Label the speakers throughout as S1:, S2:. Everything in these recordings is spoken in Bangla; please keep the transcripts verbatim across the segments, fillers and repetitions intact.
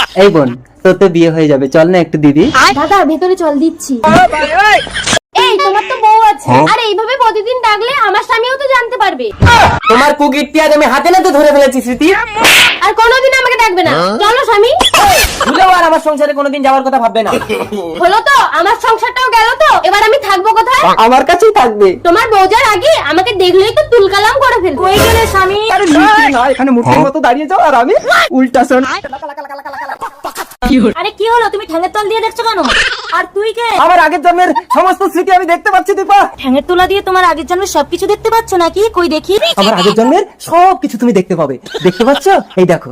S1: এই বোন, তোর তো বিয়ে হয়ে যাবে, চল না একটু দিদি।
S2: দাদা ভেতরে চল, দিচ্ছি। এই তোমার তো বউ আছে, আর এইভাবে প্রতিদিন ডাকলে আমার স্বামীও তো জানতে পারবে।
S1: তোমার কুকিরটি আজ আমি হাতে নাতে ধরে ফেলেছি স্মৃতি।
S2: আর কোনোদিন আমাকে ডাকবে না, চলো স্বামী।
S1: ভুলেও আর আমার সংসারে কোনোদিন যাওয়ার কথা ভাববে না।
S2: হলো তো, আমার সংসারটাও গেল তো, এবার আমি থাকবো কোথায়?
S1: আমার কাছেই থাকবে।
S2: তোমার বউজার আগে আমাকে দেখলেই তো তুলকালাম করে ফেলবে। কই গেলে স্বামী?
S1: আরে মিষ্টি না, এখানে মূর্তির মতো দাঁড়িয়ে যাও আর আমি উল্টা শোন।
S2: আরে কি হলো, তুমি ঠ্যাঙের তল দিয়ে দেখছো কেন? আর তুই কে?
S1: আমার আগের জন্মের সমস্ত স্মৃতি আমি দেখতে পাচ্ছি দীপা।
S2: ঠ্যাঙের তোলা দিয়ে তোমার আগের জন্মের সবকিছু দেখতে পাচ্ছ নাকি? কই দেখি।
S1: আমার আগের জন্মের সব কিছু তুমি দেখতে পাবে, দেখতে পাচ্ছ? এই দেখো।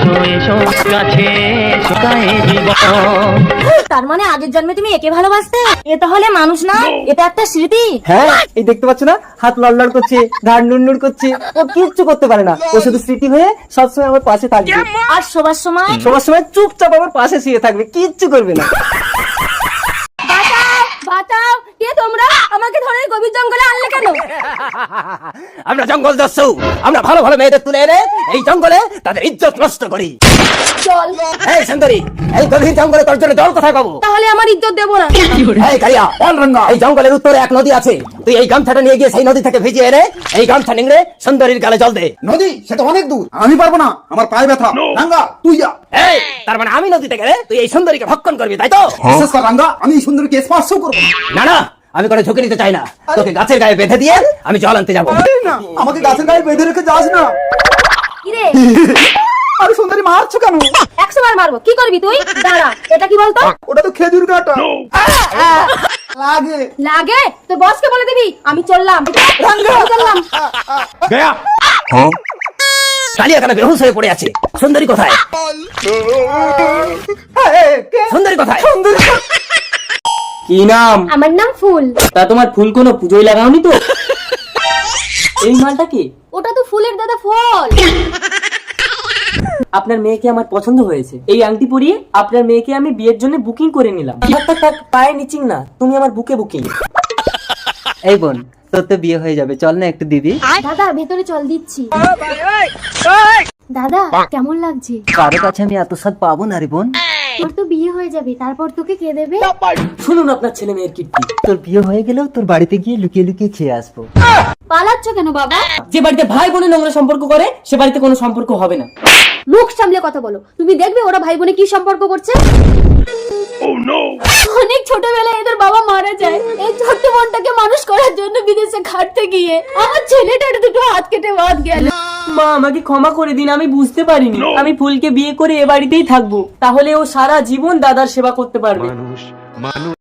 S2: তার মানে আগের জন্মে তুমি একে ভালোবাসতে? এ তাহলে মানুষ না, এটা একটা স্মৃতি।
S1: হ্যাঁ, এই দেখতে পাচ্ছ না, হাত লড়লড় করছে, ঘাড় নুড়নুড় করছে, ও কিচ্ছু করতে পারে না। ও শুধু স্মৃতি হয়ে সবসময় আমার পাশে থাকবে।
S2: আর শোবার সময়
S1: সবার সময় চুপচাপ আমার পাশে শুয়ে থাকবে, কিচ্ছু করবে না।
S2: বাঁচাও, বাঁচাও, কে তোমরা? আমাকে ধরে এই গভীর জঙ্গলে আনলে কেন?
S1: আমরা জঙ্গল দস্যু, আমরা ভালো ভালো মেয়েদের তুলে এনে এই জঙ্গলে তাদের ইজ্জত নষ্ট করি।
S2: চল।
S1: এই সুন্দরী, এই গভীর জঙ্গলে তোর জন্য জল কোথায় পাবো?
S2: তাহলে আমার ইজ্জত দেবো না?
S1: এই কালিয়া, অনরঙ্গা, এই জঙ্গলের উত্তরে এক নদী আছে, তুই এই গামছাটা নিয়ে গিয়ে সেই নদী থেকে ভিজিয়ে এনে এই গামছা নিংড়ে সুন্দরীর গালে জল দে।
S3: নদী সেটা অনেক দূর, আমি পারবো না, আমার পায়ে ব্যথা। রাঙ্গা তুই যা।
S1: এই, তার মানে আমি নদীতে গেলে তুই এই সুন্দরীকে ভক্ষণ করবি, তাই তো?
S3: বিশেষ কর রাঙ্গা, আমি এই সুন্দরীকে স্পর্শও করবো না।
S1: না না, আমি কোনো ঝুঁকি নিতে চাই না, তোকে গাছের গায়ে বেঁধে দিয়ে আমি জল আনতে যাবো।
S3: এই না, আমাকে গাছের গায়ে বেঁধে রেখে যাস না।
S2: কিরে,
S3: আরে সুন্দরী মারছো কেন?
S2: একশো বার মারবো, কি করবি তুই? দাঁড়া, এটা কি বলতো?
S3: ওটা তো খেজুর কাটা। লাগে
S2: লাগে তোর বসকে বলে দিবি আমি চললাম। আমি চললাম।
S1: কালিয়া কেন বেহুশ হয়ে পড়ে আছে? সুন্দরী কোথায়? সুন্দরী কোথায়? কি নাম?
S2: আমার নাম ফুল।
S1: তা তোমার ফুল কোনো পুজোয় লাগাওনি তো? এই মালটা কি?
S2: ওটা তো ফুলের দাদা ফল।
S4: আপনার মেয়েকে আমার পছন্দ হয়েছে, এই আংটি পরিয়ে আপনার মেয়েকে আমি বিয়ের জন্য বুকিং করে নিলাম। থাক, থাক, থাক, পায়ে নিচিং না, তুমি আমার বুকে বুকিং।
S1: এই বোন, তোর তো বিয়ে হয়ে যাবে, চল না একটু দিদি।
S2: দাদা ভেতরে চল, দিচ্ছি। দাদা কেমন লাগছে?
S1: কারো কাছে আমি এত স্বাদ পাবো না রে বোন।
S2: তোর তো বিয়ে হয়ে যাবে, তারপর তোকে কে দেবে?
S4: শুনুন আপনার ছেলে মেয়ের কীর্তি।
S1: তোর বিয়ে হয়ে গেলেও তোর বাড়িতে গিয়ে লুকিয়ে লুকিয়ে খেয়ে আসবো।
S2: পালাচ্ছ কেন বাবা?
S4: যে বাড়িতে ভাই বোনে নোংরা সম্পর্ক করে সে বাড়িতে কোনো সম্পর্ক হবে না।
S2: মুখ সামলে কথা বলো, তুমি দেখবে ওরা ভাই বোনে কি সম্পর্ক করছে। অনেক ছোটবেলায় এদের বাবা মারা যায়, এই ছোট্ট বোনটাকে মানুষ করার জন্য বিদেশে খাটতে গিয়ে আমার ছেলেটার দুটো হাত কেটে বাদ গেল।
S4: মা আমাকে ক্ষমা করে দিন, আমি বুঝতে পারিনি। আমি ফুলকে বিয়ে করে এ বাড়িতেই থাকবো, তাহলে ও সারা জীবন দাদার সেবা করতে পারবে।